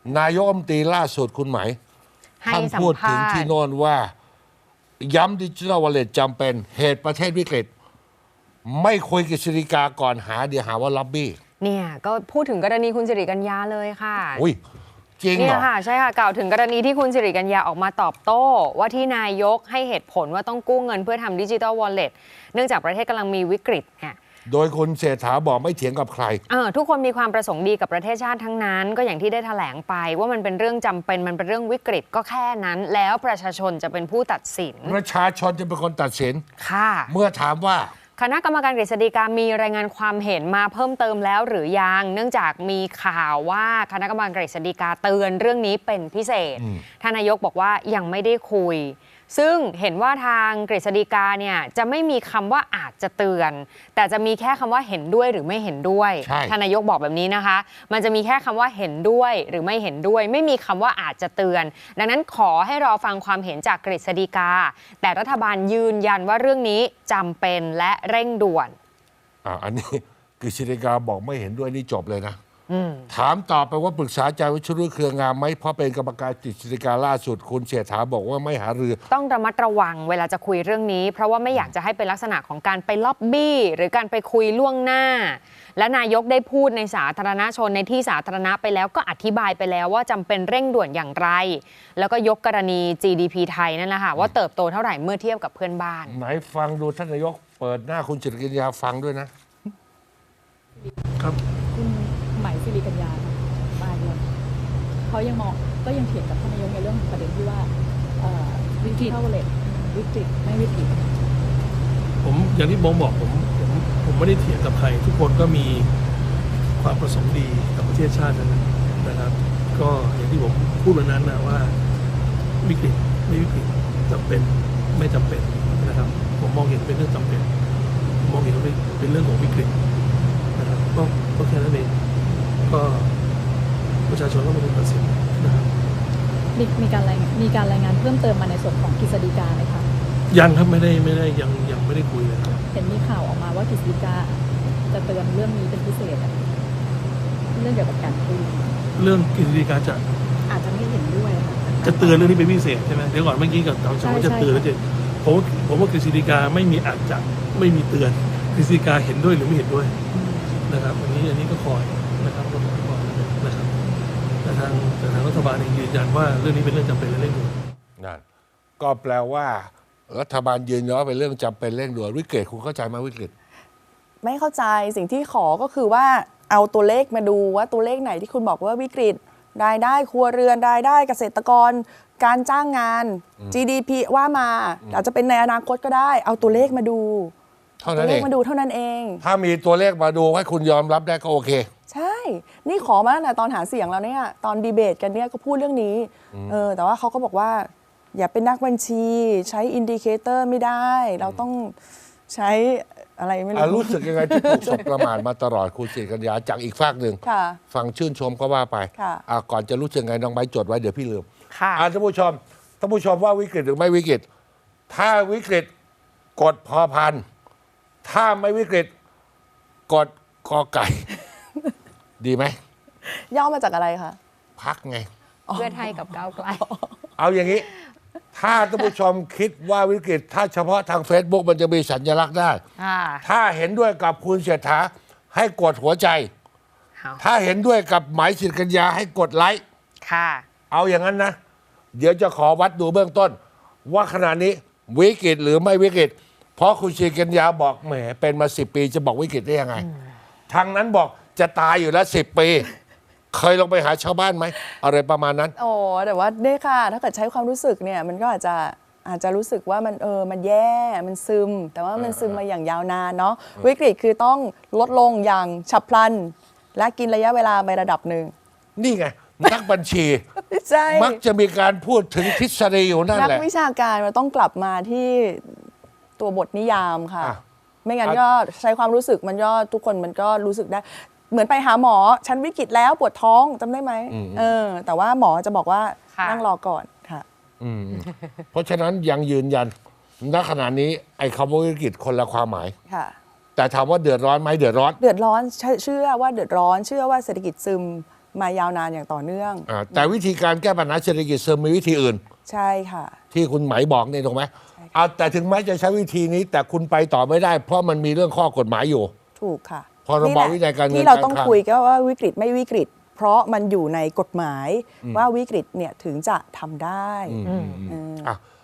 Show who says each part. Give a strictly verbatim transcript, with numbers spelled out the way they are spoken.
Speaker 1: นายกรัฐมนตรีล่าสุดคุณหมายท่านพูดถึงที่โน่นว่าย้ำดิจิทัลวอลเล็ตจำเป็นเหตุประเทศวิกฤตไม่คุยกับกฤษฎีกาก่อนหาเดี๋ยวหาว่าล็อบบี้
Speaker 2: เนี่ยก็พูดถึงกรณีคุณสิริกัญญาเลยค่ะ
Speaker 1: อุ้ยจริงเหรอ
Speaker 2: เนี่ยค่ะใช่ค่ะกล่าวถึงกรณีที่คุณสิริกัญญาออกมาตอบโต้ว่าที่นายกให้เหตุผลว่าต้องกู้เงินเพื่อทำดิจิทัลวอลเล็ตเนื่องจากประเทศกำลังมีวิกฤตเนี่ย
Speaker 1: โดยคุณเศรษฐาบอกไม่เถียงกับใคร
Speaker 2: เออทุกคนมีความประสงค์ดีกับประเทศชาติทั้งนั้นก็อย่างที่ได้แถลงไปว่ามันเป็นเรื่องจำเป็นมันเป็นเรื่องวิกฤตก็แค่นั้นแล้วประชาชนจะเป็นผู้ตัดสิน
Speaker 1: ประชาชนจะเป็นคนตัดสิน
Speaker 2: ค่ะ
Speaker 1: เมื่อถามว่า
Speaker 2: คณะกรรมการกฤษฎีกามีรายงานความเห็นมาเพิ่มเติมแล้วหรือยังเนื่องจากมีข่าวว่าคณะกรรมการกฤษฎีกาเตือนเรื่องนี้เป็นพิเศษท่านนายกบอกว่ายังไม่ได้คุยซึ่งเห็นว่าทางกฤษฎีกาเนี่ยจะไม่มีคำว่าอาจจะเตือนแต่จะมีแค่คำว่าเห็นด้วยหรือไม่เห็นด้วยท่านนายกบอกแบบนี้นะคะมันจะมีแค่คำว่าเห็นด้วยหรือไม่เห็นด้วยไม่มีคำว่าอาจจะเตือนดังนั้นขอให้รอฟังความเห็นจากกฤษฎีกาแต่รัฐบาลยืนยันว่าเรื่องนี้จำเป็นและเร่งด่วน
Speaker 1: อ่าอันนี้กฤษฎีกาบอกไม่เห็นด้วยนี่จบเลยนะถามต่อไปว่าปรึกษาใจวิชรุเครืองามไหมเพราะเป็นกรรมการกฤษฎีกาล่าสุดคุณเศรษฐาบอกว่าไม่หารือ
Speaker 2: ต้องระมัดระวังเวลาจะคุยเรื่องนี้เพราะว่าไม่อยากจะให้เป็นลักษณะของการไปล็อบบี้หรือการไปคุยล่วงหน้าและนายกได้พูดในสาธารณชนในที่สาธารณะไปแล้วก็อธิบายไปแล้วว่าจำเป็นเร่งด่วนอย่างไรแล้วก็ยกกรณี จี ดี พี ไทยนั่นแหละค่ะว่าเติบโตเท่าไหร่เมื่อเทียบกับเพื่อนบ้าน
Speaker 1: ไหนฟังดูท่านนายกเปิดหน้าคุณสิริกัญญาฟังด้วยนะครับ
Speaker 3: คุณหมายสิริกัญญามาด้วยเขายังมองก็ยังเถียงกับท่านนายกในเรื่องประเด็นที่ว่าวิกฤตเท่าเลยวิกฤตไม่วิกฤต
Speaker 4: ผมอย่างที่ผมบอกผมผมผมไม่ได้เถียงกับใครทุกคนก็มีความประสงค์ดีกับประเทศชาตินั้นนะครับก็อย่างที่ผมพูดวันนั้นนะว่าวิกฤตไม่วิกฤตจำเป็นไม่จำเป็นนะครับผมมองเห็นเป็นเรื่องจำเป็นมองเห็นว่าเป็นเรื่องของวิกฤตนะครับก็ก็แค่นั้นเองก็ประชาชนก็เป็นคนตัดสินนะครับ
Speaker 3: มีมีการรายมีการรายงานเพิ่มเติมมาในส่วนของกฤษฎีกาไหมคะ
Speaker 4: ยังครับไม่ได้ไม่ได้ยังยังไม่ได้คุยเลยครับ
Speaker 3: เห็นมีข่าวออกมาว่ากฤษฎีกาจะเตือนเรื่องนี้เป็นพิเศษเรื่องเกี่ยวกับการคุย
Speaker 4: เรื่องกฤษฎีกาจะ
Speaker 3: อาจจะไม่เห็นด้วย
Speaker 4: จะเตือนเรื่องนี้เป็นพิเศษใช่ไหมเดี๋ยวก่อนเมื่อกี้กับเราจะเตือนแล้วจะผมผมว่ากฤษฎีกาไม่มีอาจจะไม่มีเตือนกฤษฎีกาเห็นด้วยหรือไม่เห็นด้วยนะครับอันนี้อันนี้ก็คอยนะครับก็คอยนะครับแต่ทางแต่ทางรัฐบาลเองยืนยันว่าเรื่องนี้เป็นเรื่องจำเป็นและเร่งด่วน
Speaker 1: นั่นก็แปลว่ารัฐบาลยืนยันว่าเป็นเรื่องจำเป็นเร่งด่วนวิกฤตคุณเข้าใจไหมวิกฤต
Speaker 5: ไม่เข้าใจสิ่งที่ขอก็คือว่าเอาตัวเลขมาดูว่าตัวเลขไหนที่คุณบอกว่าวิกฤตรายได้ครัวเรือนรายได้เกษตรกรการจ้างงาน จี ดี พี ว่ามาอาจจะเป็นในอนาคตก็ได้เอาตัวเลขมาดูตัวเลขมาดูเท่านั้นเอง
Speaker 1: ถ้ามีตัวเลขมาดูให้คุณยอมรับได้ก็โอเค
Speaker 5: ใช่นี่ขอมาตั้งแต่ตอนหาเสียงแล้วเนี่ยตอนดีเบตกันเนี่ยก็พูดเรื่องนี้เออแต่ว่าเขาก็บอกว่าอย่าเป็นนักบัญชีใช้อินดิเคเตอร์ไม่ได้เราต้องใช้อะไรไม่รู้
Speaker 1: รู้สึกยังไงที่ถูกสบประมาทมาตลอดคุณสิริกัญญาจากอีกฝากหนึ่งฟังชื่นชมก็ว่าไปก่อนจะรู้สึกไงน้องใบจดไว้เดี๋ยวพี่ลืมท่านผู้ชมท่านผู้ชมว่าวิกฤตหรือไม่วิกฤตถ้าวิกฤตกดพอพันถ้าไม่วิกฤตกดกอไก่ดีไหม
Speaker 5: ย่อมาจากอะไรคะ
Speaker 1: พักไง
Speaker 2: เพื่อไทยกับก้าวไกล
Speaker 1: เอาอย่างนี้ถ้าท่านผู้ชมคิดว่าวิกฤตถ้าเฉพาะทาง Facebook มันจะมีสัญลักษณ์ได้ถ้าเห็นด้วยกับคุณเศรษฐาให้กดหัวใจถ้าเห็นด้วยกับหมายสิริกัญญาให้กดไลค์เอาอย่างนั้นนะเดี๋ยวจะขอวัดดูเบื้องต้นว่าขณะนี้วิกฤตหรือไม่วิกฤตเพราะคุณสิริกัญญาบอกแหมเป็นมาสิบปีจะบอกวิกฤตได้ยังไงทางนั้นบอกจะตายอยู่แล้วสิบปีเคยลงไปหาชาวบ้านไหมอะไรประมาณนั้น
Speaker 5: โอ้แต่ว่าเนี่ยค่ะถ้าเกิดใช้ความรู้สึกเนี่ยมันก็อาจจะอาจจะรู้สึกว่ามันเออมันแย่มันซึมแต่ว่ามันซึมมาอย่างยาวนานเนาะวิกฤตคือต้องลดลงอย่างฉับพลันและกินระยะเวลาไประดับหนึ่ง
Speaker 1: นี่ไงนักบัญชีมักจะมีการพูดถึงทฤษฎีอยู่นั่นแหละ
Speaker 5: นักวิชาการมันต้องกลับมาที่ตัวบทนิยามค่ะไม่งั้นก็ใช้ความรู้สึกมันก็ทุกคนมันก็รู้สึกได้เหมือนไปหาหมอฉันวิกฤตแล้วปวดท้องจำได้ไหมเออแต่ว่าหมอจะบอกว่านั่งรอก่อนค่ะ
Speaker 1: เพราะฉะนั้นยังยืนยันณขณะนี้ไอ้คำว่าวิกฤตคนละความหมาย
Speaker 5: ค่ะ
Speaker 1: แต่ถามว่าเดือดร้อนไหมเดือดร้อน
Speaker 5: เดือดร้อนเชื่อว่าเดือดร้อนเชื่อว่าเศรษฐกิจซึมมายาวนานอย่างต่อเนื่อง
Speaker 1: อ่าแต่วิธีการแก้ปัญหาเศรษฐกิจเสริมมีวิธีอื่น
Speaker 5: ใช่ค่ะ
Speaker 1: ที่คุณไหมบอกนี่ถูกไหมเอาแต่ถึงแม้จะใช้วิธีนี้ แต่คุณไปต่อไม่ได้ เพราะมันมีเรื่องข้อกฎหมายอยู่
Speaker 5: ถูกค่ะ
Speaker 1: พรบวินัยการเงิน
Speaker 5: ที่เราต้อง
Speaker 1: การคลัง
Speaker 5: คุยก็ว่าวิกฤตไม่วิกฤต เพราะมันอยู่ในกฎหมายว่าวิกฤตเนี่ยถึงจะทำได้
Speaker 1: อืม
Speaker 5: เออ
Speaker 1: อ่ะ